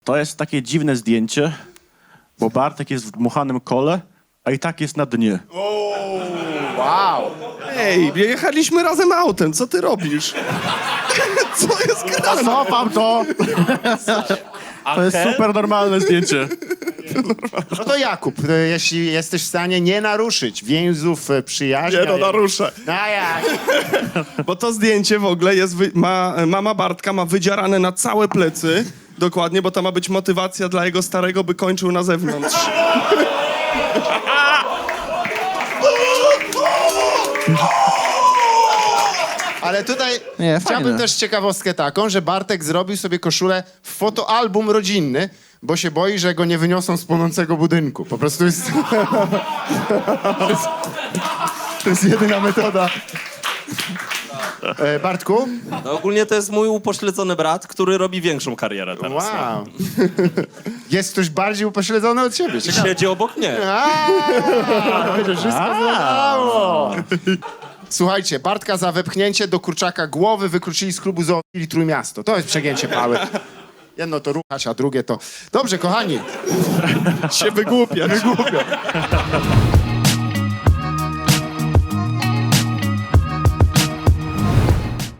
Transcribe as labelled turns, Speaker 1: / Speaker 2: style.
Speaker 1: To jest takie dziwne zdjęcie, bo Bartek jest w dmuchanym kole, a i tak jest na dnie.
Speaker 2: Wow.
Speaker 3: Ej, jechaliśmy razem autem, co ty robisz? Co jest grane?
Speaker 1: Cofam to! To jest super normalne zdjęcie.
Speaker 2: No to Jakub, jeśli jesteś w stanie nie naruszyć więzów przyjaźni...
Speaker 3: Nie, no naruszę.
Speaker 2: A jak?
Speaker 3: Bo to zdjęcie w ogóle jest, mama Bartka ma wydzierane na całe plecy, dokładnie, bo to ma być motywacja dla jego starego, by kończył na zewnątrz.
Speaker 2: Ale tutaj
Speaker 1: Nie,
Speaker 2: chciałbym
Speaker 1: fajne.
Speaker 2: też ciekawostkę taką, że Bartek zrobił sobie koszulę w fotoalbum rodzinny, bo się boi, że go nie wyniosą z płonącego budynku. Po prostu jest... to jest jedyna metoda. Bartku?
Speaker 4: No, ogólnie to jest mój upośledzony brat, który robi większą karierę teraz.
Speaker 2: Wow. Jest ktoś bardziej upośledzony od ciebie. Ciekawe.
Speaker 4: Siedzi obok mnie.
Speaker 2: To wszystko zlegało. Słuchajcie, Bartka za wepchnięcie do kurczaka głowy wykluczyli z klubu zoofilii Trójmiasto. To jest przegięcie pały. Jedno to ruchać, a drugie to... Dobrze, kochani.
Speaker 3: Się wygłupia.